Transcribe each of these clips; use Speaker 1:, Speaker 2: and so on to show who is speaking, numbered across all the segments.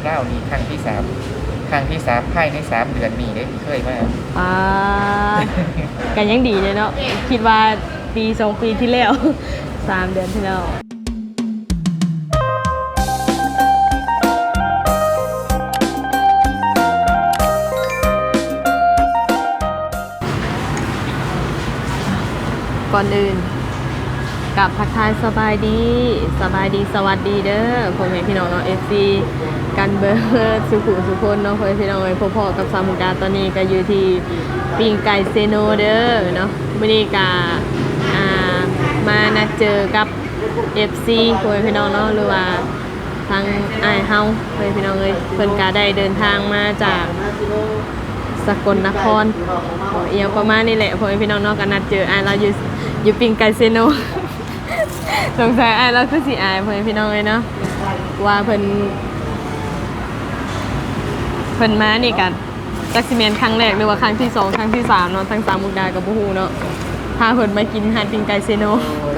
Speaker 1: เล่านี่ครั้งที่ 3ครั้งที่ 3ภายใน3 เดือนนี้ได้เคยมา
Speaker 2: อ่ากันยังดีเลยเนาะคิดว่าปี2 ปีที่แล้ว3 เดือนที่แล้วก่อนอื่นกับทักทายสบายดีสวัสดีเด้อพ่อแม่พี่น้องเนาะ FC กันเบิร์ดสุขุสุคนเนาะพ่อแม่พี่น้องเอ้ยพ่อๆกับสามมุกดาตอนนี้ก็อยู่ที่ปิ้งไก่เซโนเด้อเนาะมื้อนี้ก็มานัดเจอกับ FC พ่อแม่พี่น้องเนาะหรือว่าทางอ้ายเฮาพ่อแม่พี่น้องเอ้ยเพิ่นก็ได้เดินทางมาจากสกลนครเอียงประมาณนี้แหละพ่อแม่พี่น้องเนาะก็นัดเจออ้ายเราอยู่ปิ้งไก่เซโน สงสัยอ้ายเราคือสิอายพ่อแม่พี่น้องเลยเนาะว่าเพิ่นมานี่กันจักสิแม่นครั้งแรกหรือว่าครั้งที่2ครั้งที่3เนาะทั้ง3มุกดากับบ่ฮู้เนาะพาเพิ่นมากินอาหารปิ้งไก่เซโน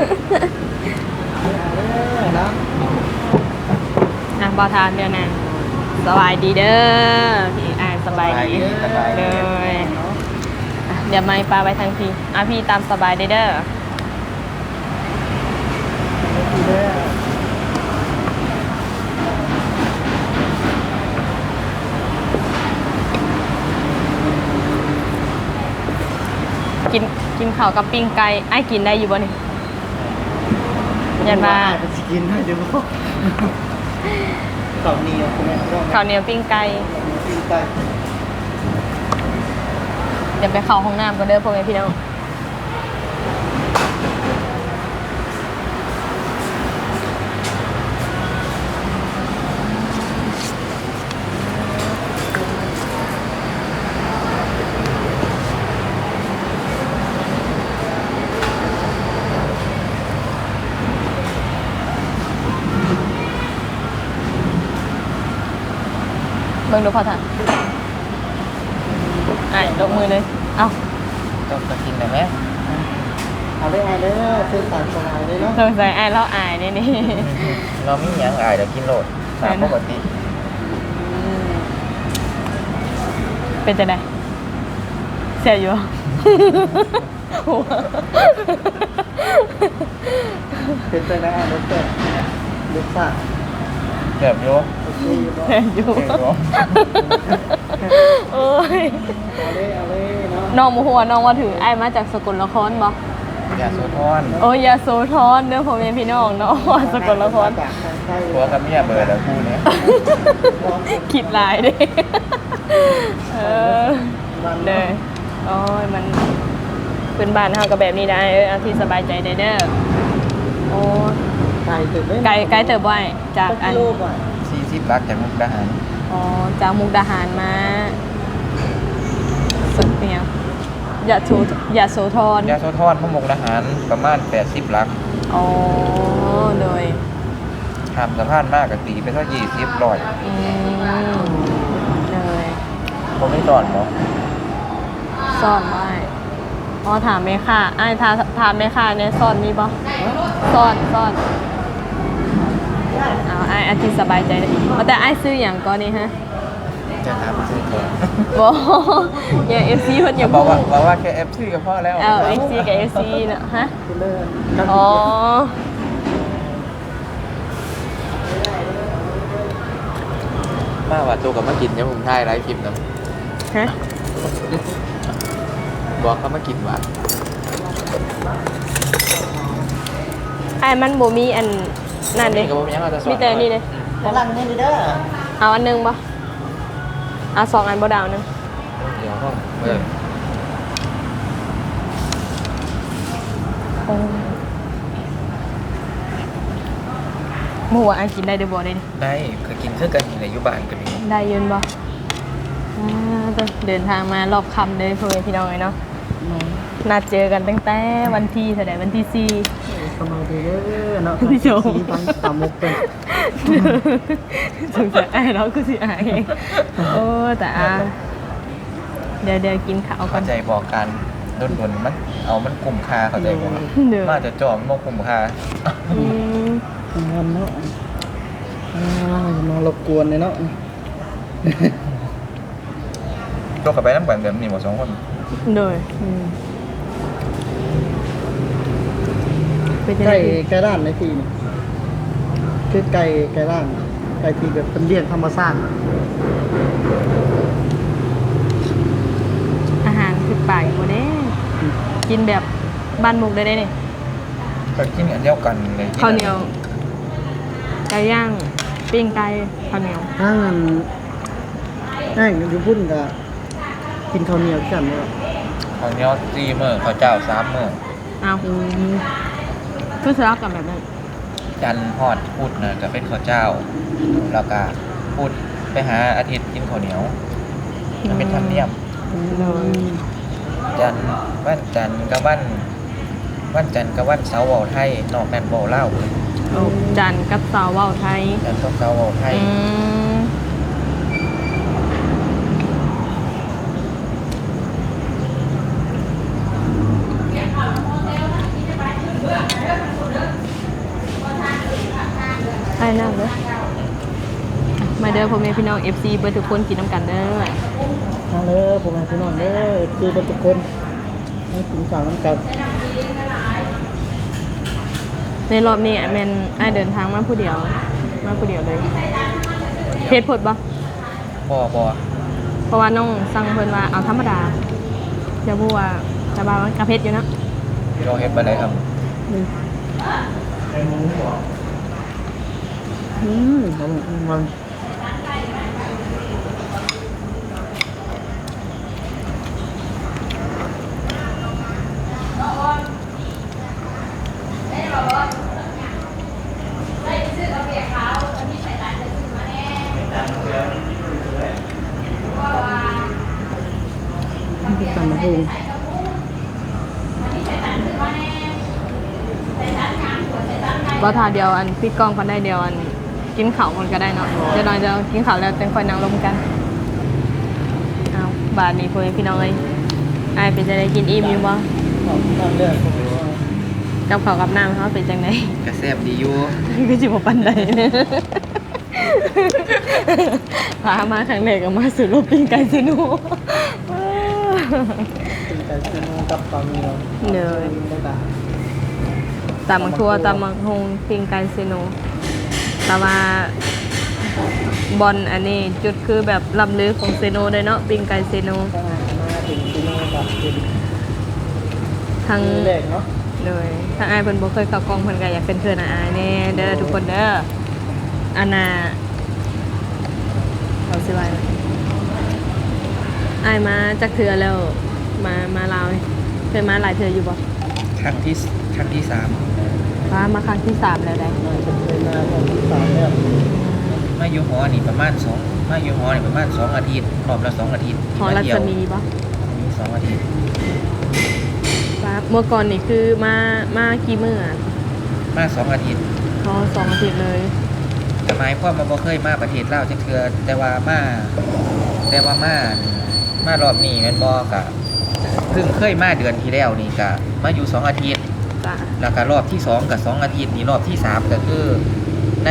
Speaker 2: บ่ทานเดี๋ยวนั้นสบายดีเด้อพี่อ้ายสบายดีเลยเดี๋ยวไม่ปลาไปทางพี่พี่ตามสบายเด้อกินข้าวกับปิ้งไก่ไอ้กินได้อยู่บ่นี่ยันมา
Speaker 3: กินได้เดี๋ยวข้าวเหนียว
Speaker 2: ข้าวเหนียวปิ้งไก่เดี๋ยวไปเข้าห้องน้ำกันเด้อพ่อแม่พี่น้องเบิ่งดูพอท่านลงมือเลยเอา
Speaker 1: ต้องกินได้ไหม
Speaker 3: เอาได้ไงเด้อซื้อสารสลายเลยเนาะ
Speaker 2: สงสัยเราอายนี่
Speaker 1: เราไม่ยังอายเดี๋ยวกินโหลดตามปกติ
Speaker 2: เป็นจะไงเสียอยู่
Speaker 3: เป็นจะได้รถเกิดรถสั่ง
Speaker 1: เกือบโย
Speaker 2: เสียอยู่โอ้ย
Speaker 3: เอาเลยเนาะ
Speaker 2: น้องหัวน้องว่าถือไอ้มาจากสกลนครบ่
Speaker 1: ยาโสธร
Speaker 2: โอ้ยยาโสธรเด้อพ่อแม่พี่น้องเนาะสกลนคร
Speaker 1: ตัวกับเมียเบอร์แล้วคู่นี้
Speaker 2: คิดลายเด้เลยโอ้ยมันเป็นบ้านเฮาก็แบบนี้ได้เอาที่สบายใจได้เด้อโอ้ไกลเติบไว้จากอัน
Speaker 1: 40 ลักจากมุกดาหาร
Speaker 2: อ๋อจากมุกดาหารมาสุดเนี่ยยาโสธร
Speaker 1: พวกมุกดาหารประมาณ80 ลัก
Speaker 2: อ๋อโดย
Speaker 1: ทำสะพานมากกับตีไปเท่า20 100
Speaker 2: เลย
Speaker 1: ผมไม่สอนเนาะ
Speaker 2: ซ่อนไว้อ๋อถามไหมค่ะไอ้ถามไหมค่ะเนี่ยซ่อนมีบ่ซ่อนเอาไอ้อาทิตย์สบายใจเลยแต่ไอ้ซื้ออย่างก่อนนี่ฮะ
Speaker 1: จะถามซื้อก่อน
Speaker 2: บ่อย่า FC เพิ่นอย่า
Speaker 1: บอกว่าแค่ FC ก็พอแล้ว
Speaker 2: FC กับ FC เนาะฮะอ๋อ
Speaker 1: มาว่าตัวกับมากินเนี่ยผมถ่ายไลฟ์คลิปนะ
Speaker 2: ฮะ
Speaker 1: บอกเขามากินว่า
Speaker 2: ไอ้มันบ่มีอันนั่นเด้มีแต่นี่เด้
Speaker 3: กำลังนี่เด้อ
Speaker 2: เอาอันนึงบ่เอา2 อันบ่ดาวนึง
Speaker 1: เดี๋ยวห้อง
Speaker 2: หมูอันกินได้เด้อบ่
Speaker 1: ได้เคยกินเครื่องกันในยุบานกัน
Speaker 2: ได้ยืนบ่เดินทางมารอบค่ำเลยเพื่อนพี่น้องเนาะนัดเจอกันตั้งแต่วันที่เท่าไหร่วันที่4
Speaker 3: สบายดีเด้อเนาะ
Speaker 2: พี่โจ
Speaker 3: ตามมุกเป็น
Speaker 2: สงสัยเราก็สิอายเองโอ้แต่เดี๋ยวกินข้าว
Speaker 1: เข้าใจบอกกันดุนมันมันกลุ่มคาเข้าใจบอกมาจะจอมมกลุ่มคา
Speaker 3: เนาะมารบกวนเลยเนาะ
Speaker 1: ตัวกับไปน้ำกันแบบนี้หมด2 คน
Speaker 2: โดยเป็นยังไง
Speaker 3: ไก่ร้านในที่นี่คือไก่ร้านไก่ที่แบบเป็นเลี้ยงธรรมชาติ
Speaker 2: อาหารคือป่าอยู่บ่เด้กินแบบบ้านมุกได้นี่
Speaker 1: ก็กินอันเดียวกันเลย
Speaker 2: ข้าวเหนียวไก่ย่างปิ้งไก่ข้าวเหนียว
Speaker 3: ถ้างั้นอยู่พุ่นก็กินข้าวเหนียวกันเลย
Speaker 1: ข้าวเหนียว4 มื้อข้าวเจ้า3 มื้อ
Speaker 2: เอาคือสลับกันแบบนั้น
Speaker 1: จันทร์ฮอดพุธน่ะก็เป็นข้าวเจ้าแล้วก็พุธไปหาอาทิตย์กินข้าวเหนียวมันเป็นธรรมเนียม
Speaker 2: เลย
Speaker 1: จันทร์วันจันทร์กับวันจันทร์กับวันเสาร์เว้าไทยนอกนั้นเว้าลาว
Speaker 2: โอ้จันทร์กับเสาร์เว้าไทย
Speaker 1: จันทร์กับเสาร์เว้าไทย
Speaker 2: มไปนั่งเลยมาเด้อพ่อแม่พี่น้อง FC เบอร์ทุกคนกินน้ำกันเด้อ
Speaker 3: มาเลยผมมาพี่น้องเด้อคือเป็นทุกคนให้กินข้าวน้ำกัน
Speaker 2: ในรอบนี้แมนไอายเดินทางมาผู้เดียวเลยเพชรผดบ่
Speaker 1: บ่
Speaker 2: เพราะว่าน้องสั่งเพิ่นว่าเอาธรรมดาจะพูดว่าจะบาว่ากระเพชรอยู่เนาะ
Speaker 1: พี่น้องเฮ็ดบ่ได้ครับ
Speaker 3: มัน ตำมะฮุง
Speaker 2: บ่ทาเดียวอันพี่กล้องคนได้เดียวอันกินข้าวคนก็ได้เนาะเดี๋ยวน้อยจะกินข้าวแล้วจังค่อยนั่งลมกันเอาบาดนี้พ่อแม่พี่น้องเอ้ยอายเป็นจังไดกินอิ่มอยู่บ่
Speaker 3: น้ำเลือด
Speaker 2: กับข้าวกับน้ำเขาเป็นจังได
Speaker 1: ก็แซ่บดีอยู่
Speaker 2: ก็สิบ่ปานใดเนี่ยพามาครั้งแรกก็มาสู่โลกปิ้งไก่ซิโน
Speaker 3: เป็นไก่ซีโนกับปลาเมียว
Speaker 2: เลย
Speaker 3: ต่าง
Speaker 2: ตำมักทั่วตำมักฮงปิ้งไก่ซิโนแต่ว่าบอลอันนี้จุดคือแบบลำลือของเซโนเลยเนาะปิ้งไก่เซโน
Speaker 3: ๆถ้ามาถึงซีโนกับเป็น
Speaker 2: ทั้ง
Speaker 3: แรกเนาะ
Speaker 2: เลยทั้งอายเพิ่นบ่เคยเข้ากล้องเพิ่นก็อยากเป็นเพื่อนอายแน่เด้อทุกคนเด้ออันน่ะเราสิว่าอายมาจักเทื่อแล้วมาลาวนี่เคยมาหลายเทื่ออยู่บ่
Speaker 1: ครั้งที่3
Speaker 2: มาครั้งที่3แล้วได้
Speaker 3: มาเป็นมาของที่สามแล้ว
Speaker 1: มาอยู่หอนี่ประมาณ2อาทิตย์รอบละ2 อาทิตย์
Speaker 2: หอรัศมีบ่
Speaker 1: มี2 อาทิตย์
Speaker 2: ครับเมื่อก่อนนี่คือมากี่มื้ออะ
Speaker 1: มา2 อาทิตย์
Speaker 2: พอ2 อาทิตย์เลย
Speaker 1: แต่หมายความว่าบ่เคยมาประเทศลาวจักเทื่อแต่ว่ามารอบนี้แม่นบ่ก็เพิ่งเคยมาเดือนที่แล้วนี่ก็มาอยู่2 อาทิตย์
Speaker 2: จ้ะ
Speaker 1: แล้วก็รอบที่2กับ2 อาทิตย์นี่รอบที่3ก็คือใน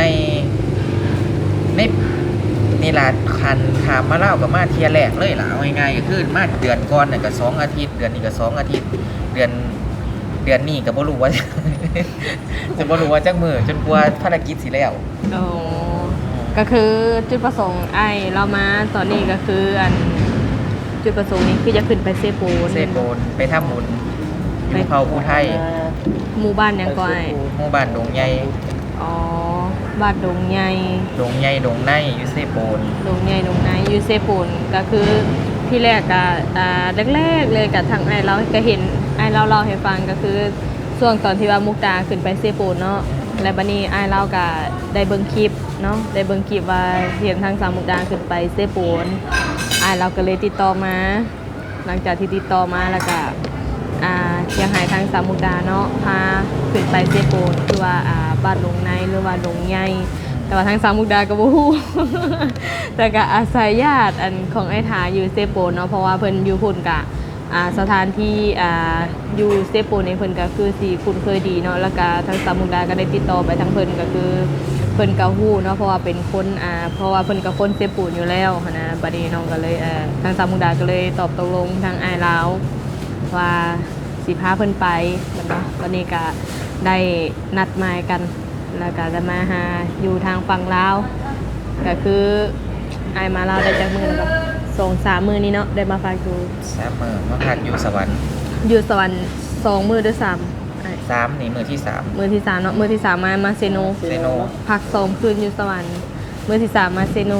Speaker 1: นี่ล่ะคันขามมาลาวก็มาเที่ยแรกเลยล่ะเอาง่ายๆก็คือมาเดือนก่อนน่ะก็2 อาทิตย์เดือนนี้ก็2 อาทิตย์เดือนนี้ก็บ่รู้ว่า จะบ่รู้ว่าจักมื้อจนกว่าภารกิจสิแล้ว
Speaker 2: โอ้ก็คือจุดประสงค์ไอ้เรามาตอนนี้ก็คืออันจุดประสงค์นี้คือจะขึ้นไปเซโปน
Speaker 1: เซโปนไปทำบุญอยู่เผ่าผู้ไทย
Speaker 2: หมู่บ้านหยังก็ไอ้
Speaker 1: หมู่บ้านดงใหญ่
Speaker 2: อ๋อบ้านดงใหญ่
Speaker 1: ดงใหญ่ดงในอยู่เซโปน
Speaker 2: ดงใหญ่ดงไหนอยู่เซโปนก็คือที่แรกก็แรกๆเลยกับทางไอ้เราก็เห็นไอ้เราให้ฟังก็คือช่วงตอนที่ว่ามุกดาขึ้นไปเซโปนเนาะและบัดนี้ไอ้เราก็ได้เบิ่งคลิปเนาะได้เบิ่งคลิปว่าเห็นทางสามมุกดาขึ้นไปเซโปนไอ้เราก็เลยติดต่อมา หลังจากที่ติดต่อมาแล้วก็อยากให้ทางสามมุกดาเนาะพาขึ้นไปเซโปนคือว่าบ้านดงในหรือว่าดงใหญ่แต่ว่าทางสามมุกดาก็บ่ฮู้ แต่ก็อาศัยญาติอันของไอ้ถาอยู่เซโปนเนาะเพราะว่าเพิ่นอยู่พุ่นกะสถานที่อยู่เซโปนในเพิ่นก็คือสิคุ้นเคยดีเนาะแล้วก็ทางสามมุกดาก็ได้ติดต่อไปทางเพิ่นก็คือเพิ่นก็ฮู้เนาะเพราะว่าเป็นคนเพราะว่าเพิ่นก็คนเซปูนอยู่แล้วหั้นนะบัดนี้น้องก็เลยทางสาวมุกดาก็เลยตอบตกลงทางอ้ายลาวว่าสิพาเพิ่นไปแม่นเนาะตอนนี้ก็ได้นัดหมายกันแล้วก็จะมาหาอยู่ทางฝั่งลาวก็คืออ้ายมาลาวได้จักมื้อแล้วก็2-3 มื้อนี้เนาะได้มาฝากอยู่
Speaker 1: 3 มื้อมาพักอยู่สวรรค์
Speaker 2: อยู่สวรรค์2 มื้อหรือ3อ้าย
Speaker 1: 3นี่มื้อที่ 3
Speaker 2: มื้อที่3เนาะมื้อที่3มาเซโน
Speaker 1: เซโน
Speaker 2: พัก2 คืนอยู่สวรรค์มื้อที่3มาเซโน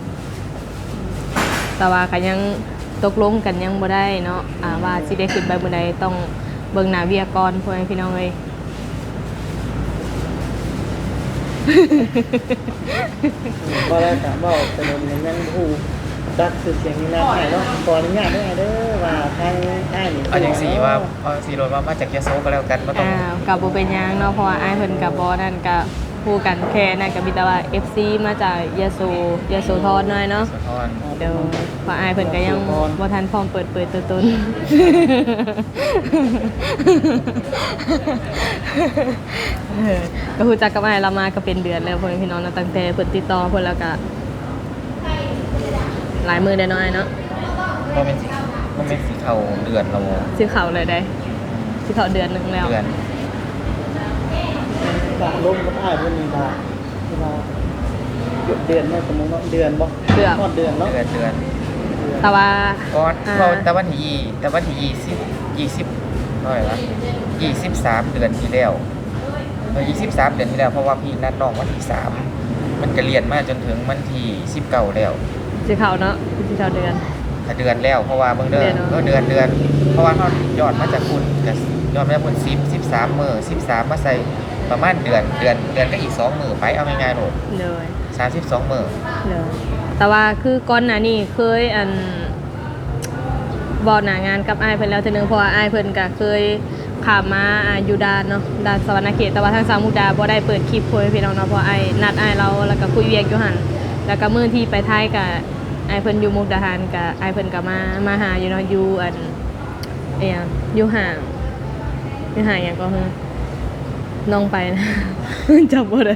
Speaker 2: แต่ว่าก็ยังตกลงกันยังบ่ได้เนาะว่าสิได้ขึ้นไปมื้อใดต้องเบิ่งหน้าเวียก่อนพ่อแม่พี่น้องเอ้ย
Speaker 3: บ่ได้ถามว่าเป็นยังฮู้จักชื่อเสียงนี่นะอ้ายเนาะขออนุญาตได้เด้อว่าทางอ้ายนี่
Speaker 1: เอาจังซี่ว่าเอาสิโดนว่ามาจากยะโสก็แล้วกันบ่ต้อง
Speaker 2: กับบ่เป็นหยังเนาะเพราะว่าอ้ายเพิ่นก็บ่นั่นก็ฮู้กันแค่นั้นก็มีแต่ว่า FC มาจากยโสธรหน่อยเนาะ
Speaker 1: สะท้อน
Speaker 2: เดี๋ยวเพราะอ้ายเพิ่นก็ยังบ่ทันพร้อมเปิดเผยตัวตน ก็ฮู้จักกับอ้ายเรามาก็เป็นเดือนแล้วพ่อแม่พี่น้องเนาะตั้งแต่เพิ่นติดต่อเพิ่นแล้วก็หลายมื้อได้น้อยเนาะ
Speaker 1: บ่แม่นสิเข้าเดือนแล้ว
Speaker 2: สิเข้าเลยได้สิเข้าเดือนหนึงแล้ว
Speaker 1: เดือน
Speaker 3: บาลมกับอ้ายเพิ่นนี่บาว่าเดือนเนาะสมมุติเนาะเดือนบ่ฮอดเดือนเนาะ
Speaker 1: เดือน
Speaker 2: แต่ว่า
Speaker 1: ก่อนแต่วันที่20เท่าไหร่วะ23 เดือนที่แล้ว23 เดือนที่แล้วเพราะว่าพี่นัดน้องวันที่3มันก็เรียนมาจนถึงวันที่19แล้ว
Speaker 2: สิเข้าเนาะสิเข้าเดือน
Speaker 1: ถ้าเดือนแล้วเพราะว่าเบิ่งเด้อ
Speaker 2: เดือนเนอะ
Speaker 1: ก็เดือนเพราะว่าเฮายอดมาจากคุณก็ยอดมาจากคุณ13มื้อ13มาใส่ประมาณเดือนก็อีก2มื้อไปเอาง่ายๆโลด
Speaker 2: เลย
Speaker 1: 32มื้อ
Speaker 2: เลยแต่ว่าคือก่อนหน้านี้เคยบอกหน้างานกับอ้ายเพิ่นแล้วเทีนึงเพราะว่าอ้ายเพิ่นก็เคยข้ามมาอยู่ด่านเนาะด่านสวรรณเขตแต่ว่าทางสามมุกดาบ่ได้เปิดคลิปคุยให้พี่น้องเนาะเพราะอ้ายนัดอ้ายเราแล้วก็คุยเวียกอยู่หั่นแล้วก็มื้อที่ไปไทยก็อ้ายเพิ่นอยู่มุกดาหารก็อ้ายเพิ่นก็มาหาอยู่เนาะอยู่อยู่ห่างหยังก็คือน้องไปนะ จำบ่ได้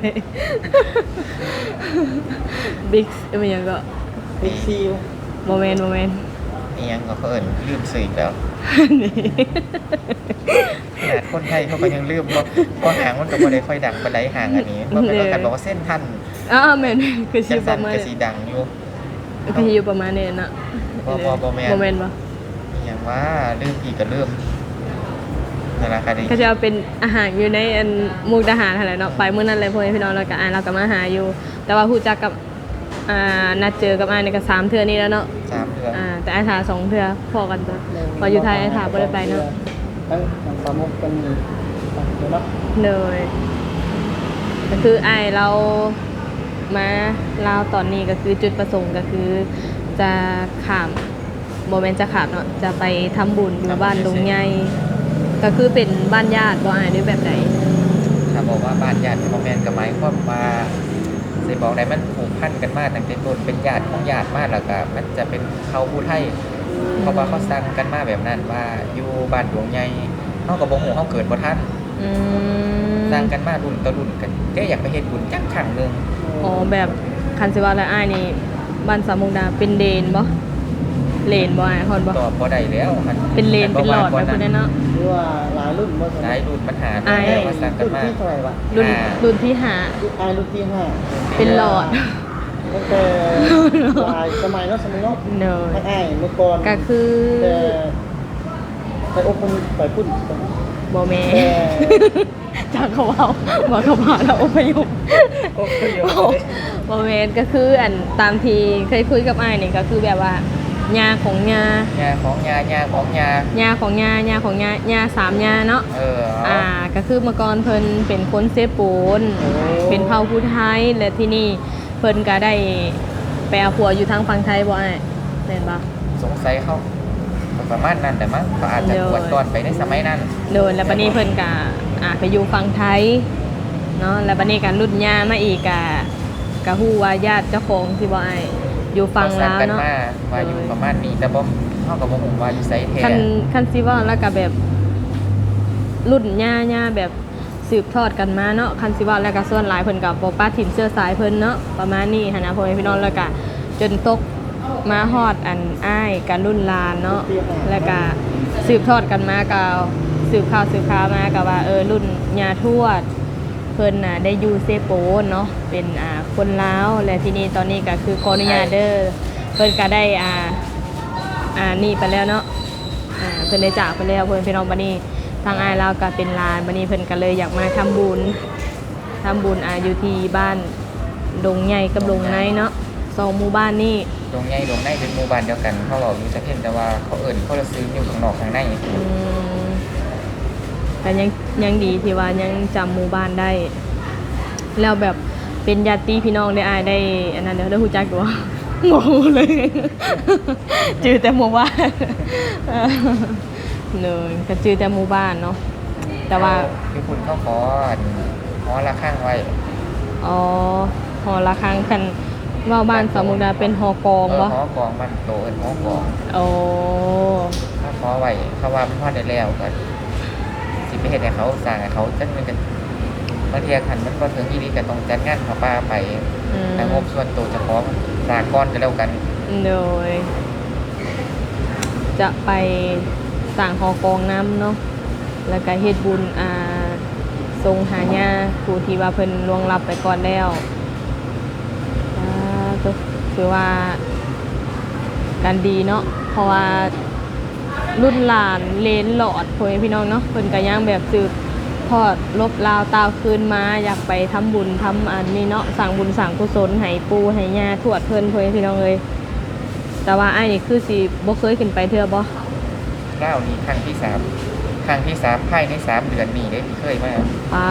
Speaker 2: บิ๊กมันยังก็
Speaker 3: บิ๊กซี
Speaker 2: โมเมนต์
Speaker 1: นี่ยังก็เพิ่นลืมสื่ออีกแล้ว
Speaker 2: นี่
Speaker 1: ขนาดคนไทยเขาก็ยังลืมเพราะหางมันก็บ่ได้ค่อยดังปานใดหางอันนี้เพราะเป็นกันบอกว่าเส้นทัน
Speaker 2: แม่นคือสิ
Speaker 1: จัง
Speaker 2: ป
Speaker 1: ซั่
Speaker 2: ระ
Speaker 1: น
Speaker 2: มาณ
Speaker 1: ก็สิดังอยู่
Speaker 2: คืออยู่ประมาณนี้เนาะ
Speaker 1: บ่แม่น
Speaker 2: โมเมนต์บ่
Speaker 1: อหย่างว่าลืมอีกก็ลืมนั่นล่ะค่ะดิ
Speaker 2: ก็จะเอาเป็นอาหารอยู่ในมุกดาหารหั่นแหละเนาะไปมื้อนั้นเลยพ่อแม่พี่น้องแล้วก็เราก็มาหาอยู่ แต่ว่าฮู้จักกับนัดเจอกับอ้ายนี่ก็3เทื่อนี้แล้วเนาะ
Speaker 1: 3 เดือน
Speaker 2: แต่อ้ายถา2เทื่อพอกันตัวพออยู่ไทยอ้ายถาบ่ได้ไปเนาะ
Speaker 3: ทั้งสามมุกกันนี่เนาะ
Speaker 2: เลยก็คืออ้ายเรามาลาวตอนนี้ก็คือจุดประสงค์ก็คือจะข้ามโมเมนต์จะขาดเนาะจะไปทำบุญอยู่บ้านดงใหญ่ก็คือเป็นบ้านญาติบ่อ่านด้วยแบบไหน
Speaker 1: ถ้าบอกว่าบ้านญาติบ่แม่นก็หมายความว่าสิบอกได้มันผูกพันกันมาตั้งแต่ต้นเป็นญาติของญาติมาแล้วก็มันจะเป็นเขาผู้ไทยเพราะว่าเขาสั่งกันมาแบบนั้นว่าอยู่บ้านดวงใหญ่เฮาก็บ่ฮู้เฮาเกิดบ่ทัน
Speaker 2: อืม
Speaker 1: สั่งกันมารุ่นต่อรุ่นกันเด้อยากไปเฮ็ดบุญจักครั้งหนึง
Speaker 2: อ๋อแบบคันสิว่าแล้วอ้ายนี่บ้านสามมุกดาเป็นเดนบ่เลนบ่อ้ายฮอดบ่
Speaker 1: ตอบบ่ได้แล้วมัน
Speaker 2: เป็นเลนเป็นหลอดแบบคนนั้นเนาะ
Speaker 3: หรือว่าหลายรุ่นบ่
Speaker 1: หลายรุ่นปัญหา
Speaker 2: อ้าย
Speaker 1: แล้วมาสั่งกัน
Speaker 3: รุ่น
Speaker 1: มา
Speaker 3: ที่เท่าไหร่วะ
Speaker 2: รุ่นที่หา
Speaker 3: อ้ายรุ่นที่5
Speaker 2: เป็นหลอด
Speaker 3: ตั้งแต่หลายสมัยเนาะสมัยเนาะ
Speaker 2: เนย
Speaker 3: ทั้งอ้ายเมื่อก่อน
Speaker 2: ก็คือ
Speaker 3: แต่ไปอบรมไปพุ่น
Speaker 2: บ่แม่
Speaker 3: แต่
Speaker 2: จากเขาเอาบอกเขาพาเราอพยพ
Speaker 1: โอ้ย
Speaker 2: โมเมนต์ก็คือตามที่เคยคุยกับอ้ายนี่ก็คือแบบว่ายาของยา
Speaker 1: ยาของยายาของยาย
Speaker 2: าของยายาของยา3ยาเนาะ
Speaker 1: เอา
Speaker 2: ก็คือเมื่อก่อนเพิ่นเป็นคนเซปูนเป็นเผ่าผู้ไทยและที่นี่เพิ่นก็ได้ไปเอาผัวอยู่ทางฝั่งไทยบ่อ้ายแม่นบ่
Speaker 1: สงสัยเขาประมาณนั้นแต่มั้งเขาอาจจะกวดตอนไปในสมัยนั้น
Speaker 2: โดนแล้วบัดนี้เพิ่นก็ไปอยู่ฝั่งไทยเนาะแล้วบัดนี้ก็รุ่นยามาอีกก็ฮู้ว่าญาติเจ้าของที่บ่อ้ายอยู่ฝั่งลาว
Speaker 1: กัน
Speaker 2: เนาะ
Speaker 1: มาอยู่ประมาณนี้แต่บ่เฮาก็บ่ฮู้ว่าอยู่ไสแท้
Speaker 2: คันสิว่าแล้วก็แบบรุ่นย่าแบบสืบทอดกันมาเนาะคันสิว่าแล้วก็ส่วนหลายเพิ่นก็บ่ป้าถิ่นเสื้อสายเพิ่นเนาะประมาณนี้หันนะพ่อแม่พี่น้องแล้วก็จนตกมาฮอดอันอ้ายกันรุ่นหลานเนาะแล้วก็สืบทอดกันมาก็สืบข่าวมาก็ว่ารุ่นย่าทวดเพิ่นน่ะได้อยู่เซโปนเนาะเป็นคนลาวและทีนี้ตอนนี้ก็คือขออนุญาตเด้อเพิ่นก็ได้นี่ไปแล้วเนาะเพิ่นได้จากไปแล้วเพิ่นพี่น้องบัดนี้ทางอ้ายเราก็เป็นหลานบัดนี้เพิ่นก็เลยอยากมาทำบุญอยู่ที่บ้านดงใหญ่กับดงในเนาะ2หมู่บ้านนี่
Speaker 1: ดงใหญ่ดงในเป็นหมู่บ้านเดียวกันเขาบอกอยู่สะเพ็นแต่ว่าเขาเอิ้นเขาละซื้ออยู่ข้างนอกข้างใน
Speaker 2: แต่ยังดีที่ว่ายังจำหมู่บ้านได้แล้วแบบเป็นญาติพี่น้องได้ได้อันนั้นเดี๋ยวได้ฮู้จักตัวงงเลยจื่อแต่หมู่บ้านเลยก็จื่อแต่หมู่บ้านเนาะแต่ว่า
Speaker 1: คือคุณเขาขอหอละข้างไว้
Speaker 2: อ๋อหอละข้างคันว่าบ้านสมุทรดาเป็นหอกองบ่
Speaker 1: หอกองมันโตเป็นหอกอง
Speaker 2: โอ้
Speaker 1: เขาขอไว้เขาว่ามันพอได้แล้วก็สิไปเฮ็ดให้เขาสร้างให้เขาจังมันกันบางทีคันมันบ่ถึงอีหลีก็ต้องจัดงานเขาป่าไปแต่งบส่วนตัวเฉพาะสร้างก้อนก็แล้วกัน
Speaker 2: โดยจะไปสร้างหอกองน้ำเนาะแล้วก็เฮ็ดบุญทรงหาญาผู้ที่ว่าเพิ่นล่วงลับไปก่อนแล้วก็คือว่าการดีเนาะเพราะว่ารุ่นหลานเลนหลอดพ่อแม่พี่น้องเนาะเพิ่นก็ยังแบบสืบทอดลบลาวตาวคืนมาอยากไปทำบุญทำอันนี้เนาะสั่งบุญสั่งกุศลให้ปู่ให้ย่าทวดเพิ่นพ่อแม่พี่น้องเลยแต่ว่าไอ้นี่คือสิบ่เคยขึ้นไปเทื่อบ่
Speaker 1: เล่านี่ครั้งที่3ภายใน3เดือนนี้ได้เคยมา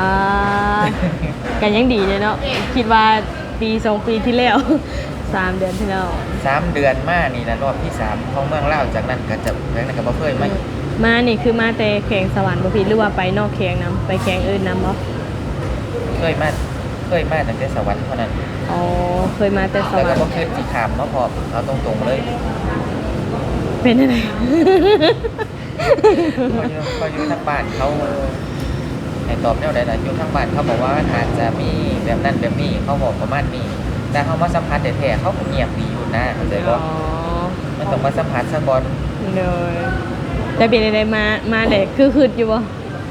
Speaker 2: กันยังดีเลยเนาะคิดว่าปี2ปีที่แล้ว3เดือนที่แล้ว
Speaker 1: 3เดือนมานี่นะรอบที่3ของเมืองลาวจากนั้นก็จะแล้วนั้นก็บ่เคย
Speaker 2: มานี่คือมาแต่แข่งสวรรค์บ่ผิดหรือว่าไปนอกแข่งนำไปแข่งอื่นนำบ่
Speaker 1: เคยมาตั้งแต่สวรรค์เท่านั้น
Speaker 2: อ๋อเคยมาแต่สวรรค์
Speaker 1: แล้วก็บ่เคยสิถามเนาะพอเอาตรงๆเลย
Speaker 2: เป็นจังได๋
Speaker 1: พออยู่ทางบ้านเขาให้ตอบแนวใดล่ะอยู่ทางบ้านเขาบอกว่าอาจจะมีแบบนั้นแบบนี้เขาบอกประมาณนี้แต่เขามาสัมผัสแท้ๆเขาก็เงียบดีอยู่นะเข้าใจบ่มันต้องมาสัมผัสซะก่อน
Speaker 2: เลยแต่เป็นได้มาได้คืออยู่บ่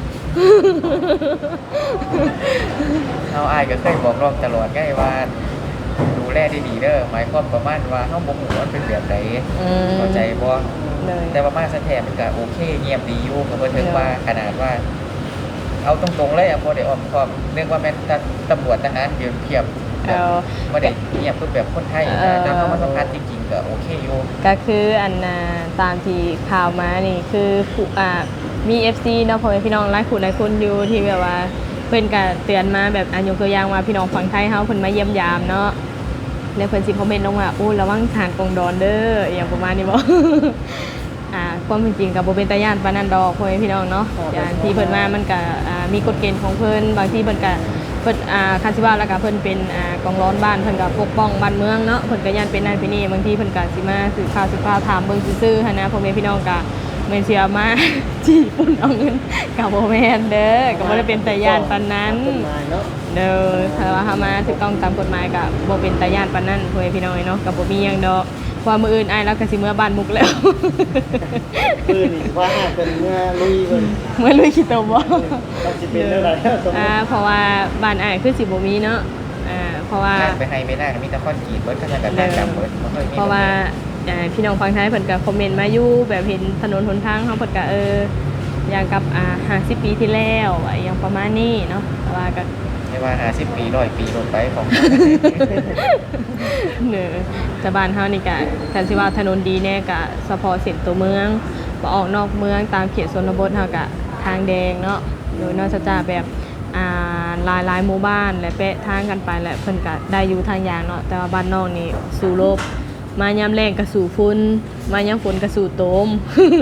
Speaker 1: เอาอ้ายก็เคยบอกน้องตลอดไงว่าดูแลดีๆเด้อหมายความประมาณว่าเฮาบ่ฮู้ว่าเป็นแบบใดเข้าใจบ่แต่ว่ามาซะแท้มันก็โอเคเงียบดีอยู่ก็บ่ถึงว่าขนาดว่าเอาตรงๆเลยบ่ได้อ้อมค้อมเรียกว่าแม่นตำรวจทหารเทียบบ่ได้เงียบแบบคนไทยแต่เฮามาสัมภาษณ์จริงๆก็โอเคอยู่
Speaker 2: ก็คืออันตามที่ข่าวมานี่คือมี FC เนาะพ่อแม่พี่น้องหลายคนอยู่ที่แบบว่าเพิ่นก็เตือนมาแบบยกตัวอย่างว่าพี่น้องฝั่งไทยเฮาเพิ่นมาเยี่ยมยามเนาะแล้วเพิ่นสิคอมเมนต์ลงว่าโอ้ระวังทานกองดอนเด้ออย่างประมาณนี้บ่ความเป็นจริงก็บ่เป็นตาย่านปานนั้นดอกพ่อแม่พี่น้องเนาะอย่างที่เพิ่นมามันก็มีกฎเกณฑ์ของเพิ่นบางทีเพิ่นก็คันสิว่าแล้วก็เพิ่นเป็นกองร้อนบ้านเพิ่นก็ปกป้องบ้านเมืองเนาะเพิ่นก็ย่านเป็นนั่นเป็นนี่บางทีเพิ่นก็สิมาสืบข่าวถามเบิ่งซื่อๆหั่นนะพ่อแม่พี่น้องก็แม่นสิเอามาจี้ปุ่นเอาเงินก็บ่แม่นเด้อก็บ่ได้เป็นตาย่านปานนั้นเด้อถ้าว่าเฮามาถูกต้องตามกฎหมายก็บ่เป็นตาย่านปานนั้นพ่อแม่พี่น้องเนาะก็บ่มีหยังดอกว่ามื้ออื่นอ้ายแล้วก็สิเมื่อบ้านมุกแล้ว
Speaker 3: มื้อนี้ว่าเป็นเมื่อลุยเพิ่น
Speaker 2: เมื่อลุยขี้ตมบ่
Speaker 3: ก็สิเป็นเท่าใด
Speaker 2: เพราะว่าบ้านอ้ายคือสิบ่มีเนาะเพราะว่า
Speaker 1: ไปให้ไม่ได้มีแต่คอนกรีตเบิดก็จะแบบจำเบิดบ่ค่อยมี
Speaker 2: เพราะว่าพี่น้องฝั่งไทยเพิ่นก็คอมเมนต์มาอยู่แบบเห็นถนนหนทางเฮาเพิ่นก็อย่างกับ50ปีที่แล้วอย่างประมาณนี้เนาะแต่ว่าก็
Speaker 1: ไม่ว่า50ปี100ปีลงไปของ
Speaker 2: แต่บ้านเฮานี่ก็คันสิว่าถนนดีแน่ก็เฉพาะเส้นตัวเมืองบ่ออกนอกเมืองตามเขตชนบทเฮาก็ทางแดงเนาะโดยนอกจากแบบหลายหมู่บ้านและเปะทางกันไปและเพิ่นก็ได้อยู่ทางอย่างเนาะแต่ว่าบ้านนอกนี่สู่ลบมายามแรงก็สู่ฝุ่นมายามฝนก็สู่โตม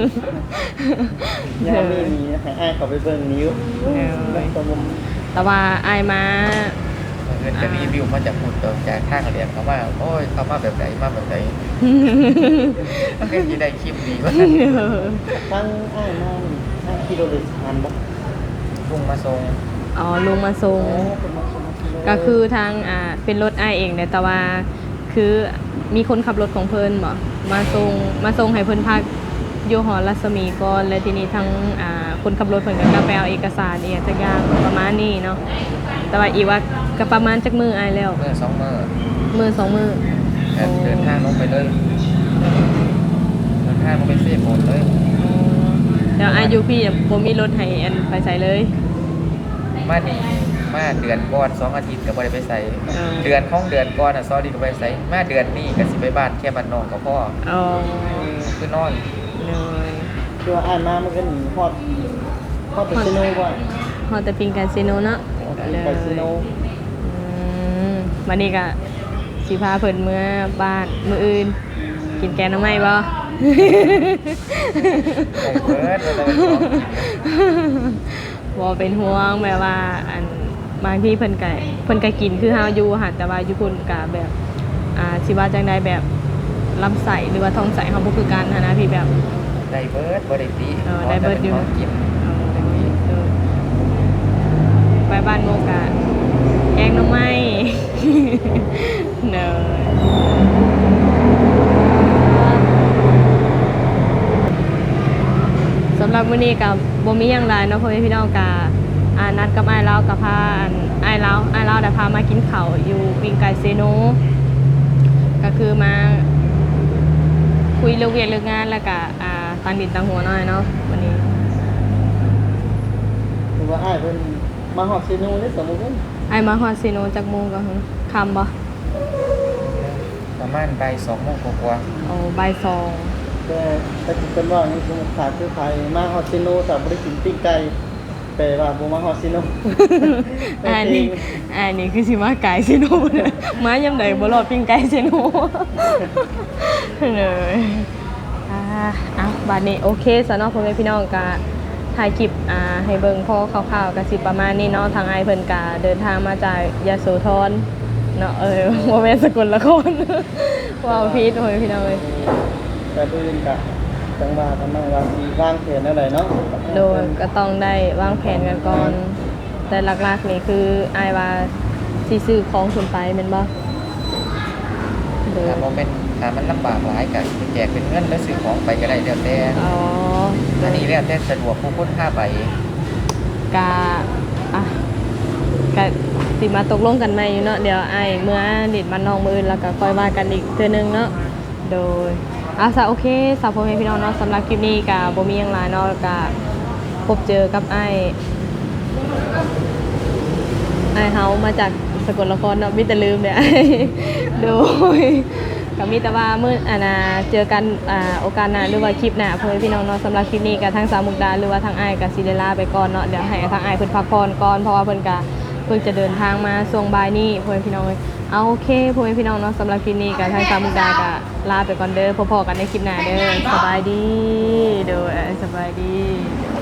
Speaker 3: ยามนี้มีให้อ้ายเขาไปเบิ่งนิ้ว
Speaker 2: แต่ว่าอ้ายมา
Speaker 1: เงินก็รีวิวมาจากพูดต่อจากทางเรียนเขาว่าโอ้ยเขามาแบบไหนมาแบบไหนมันก็สิได้คลิปดีว่า
Speaker 3: ทั้งอ้ายมา5กิโลเมตรทันบ่
Speaker 1: ลุงมาส่ง
Speaker 2: อ๋อลุงมาส่ง
Speaker 3: เป็นมาส่งเลย
Speaker 2: ก็คือทางเป็นรถอ้ายเองเนี่ยแต่ว่าคือมีคนขับรถของเพิ่นบ่มาส่งให้เพิ่นพักอยู่หอรัศมีก่อนและทีนี้ทั้งคนขับรถเพิ่นก็ไปเอาเอกสารอีกสักอย่างประมาณนี้เนาะแต่ว่าอีกว่าก็ประมาณจักมื้ออ้ายแล้ว
Speaker 1: เมื่อ2มื้อ
Speaker 2: มื้อ2มื้อ
Speaker 1: เดินทางลงไปเลยเดินทางลงไปเซฟโหมดเลย
Speaker 2: เดี๋ยวอ้ายอยู่พี่บ่มีรถให้อันไปใส่เลย
Speaker 1: มานี่มาเดือนก่อน2อาทิตย์ก็บ่ได้ไปใส่
Speaker 2: อ่า
Speaker 1: เดือนของเดือนก่อนน่ะ2อาทิตย์ก็บ่ได้ใส่มาเดือนนี้ก็สิไปบ้านแค่บ้านนอกก็พอ
Speaker 2: อ๋อ
Speaker 1: คือนอน
Speaker 2: เลย
Speaker 3: คือว่าอ่านมามันก็หนีฮอดไปซิโนบ่
Speaker 2: ฮอดแต่ปิงกาซิโนเนาะ
Speaker 3: ไปซิโน
Speaker 2: วันนี้ก็สิพาเพิ่นเมื่อบ้านมื้ออื่น กินแกงหน้ำไม้บ่
Speaker 1: ไอ้เบิร์ดเราจะไปบอก
Speaker 2: บ่เป็นห่วงแบบว่าอันบางที่เพิ่นก็กินคือเฮาอยู่ค่ะแต่ว่าอยู่พุ่นก็แบบสิว่าจังไดแบบลำไส้หรือว่าท้องไส้เฮาบ่คือกันหั้นนะพี่แบบ
Speaker 1: ได้เบิร์ดบ่ได้ตี
Speaker 2: ได้เบิดอยู่
Speaker 1: ขอแต่เป็นของกิน
Speaker 2: ไปบ้านโมกะแกงหน้ำไม้ เนอะสำหรับมื้อนี้กับบ่มีหยังหลายเนาะพ่อแม่พี่น้องกะนัดกับอ้ายลาวกับพาอ้ายลาวได้พามากินข้าวอยู่ปิงไก่เซโนก็คือมาคุยเรื่องเวียนเรื่องงานแล้วก็ตั้งดินตั้งหัวหน่อยเนาะวันนี้
Speaker 3: หรือว่าอ่านเป็นมาฮอดซิโนนี่สมมุติว่า
Speaker 2: ไอมาฮอดซีโนจากโมงก็คำบ่
Speaker 1: ประมาณบ่าย2โมงกว่า
Speaker 2: เอาบ่ายสอง
Speaker 3: แต่เป็นว่านี่สมมุติขาดคือไผมาฮอดซิโนแต่บ่ได้กินปิ้งไก่แปลว่าบ่มาฮอดซิโน
Speaker 2: อันนี้คือสิมาไก่ซีโนเนี่ยมายำใดบ่รอดปิ้งไก่ซีโนเลยบัดนี้โอเคสำหรับพ่อแม่พี่น้องก็ถ่ายคลิปให้เบิ่งพอคร่าวๆก็สิประมาณนี้เนาะทางไอเพิ่นก็เดินทางมาจากยโสธรเนาะบ่แม่นสกลนครว้าวพีดพ่อแม่พี่น้องเอ้ย
Speaker 3: แต่ปืนกะจังหวะกำลังว่าสีวางแผนอะไรเนาะ
Speaker 2: โดยก็ต้องได้วางแผนกันก่อน แต่หลักๆนี่คืออายว่าสิซื้อของขึ้นไปแม่นบ่โดย
Speaker 1: ถ้าบ่เป็นถ้ามันลำบากหลายก็แจกเป็นเงินแล้วซื้อของไปก็ได้แล้วแต่
Speaker 2: อ๋อ
Speaker 1: อันนี้แล้วแต่สะดวกผู้คนพาไป
Speaker 2: กะอ่ะกะสิมาตกลงกันใหม่อยู่เนาะเดี๋ยวอายเมื่อดิดมันน้องมื้ออื่นแล้วก็ค่อยว่ากันอีกเทื่อนึงเนาะโดยซะโอเคสาวพ่อแม่พี่น้องเนาะสำหรับคลิปนี้ก็บ่มีหยังหลายเนาะก็พบเจอกับอ้ายเฮามาจากสกลนครเนาะมีแต่ลืมเนี่ย โดยก็มีแต่ว่ามื้อเจอกันโอกาสหน้าหรือว่าคลิปหน้าพ่อแม่พี่น้องเนาะสำหรับคลิปนี้ก็ทางสาวมุกดาหรือว่าทางอ้ายก็สิได้ลาไปก่อนเนาะเดี๋ยวให้ทางอ้ายเพิ่นพักผ่อนก่อนเพราะว่าเพิ่นก็เพิ่งจะเดินทางมาช่วงบ่ายนี้พ่อแม่พี่น้องเอ้ยเอาโอเคพ่อแม่พี่น้องเนาะสำหรับคลิปนี้ก็ทางสาวมุกดาก็ลาไปก่อนเด้อพบกันในคลิปหน้าเด้อสบายดีเด้อสบายดี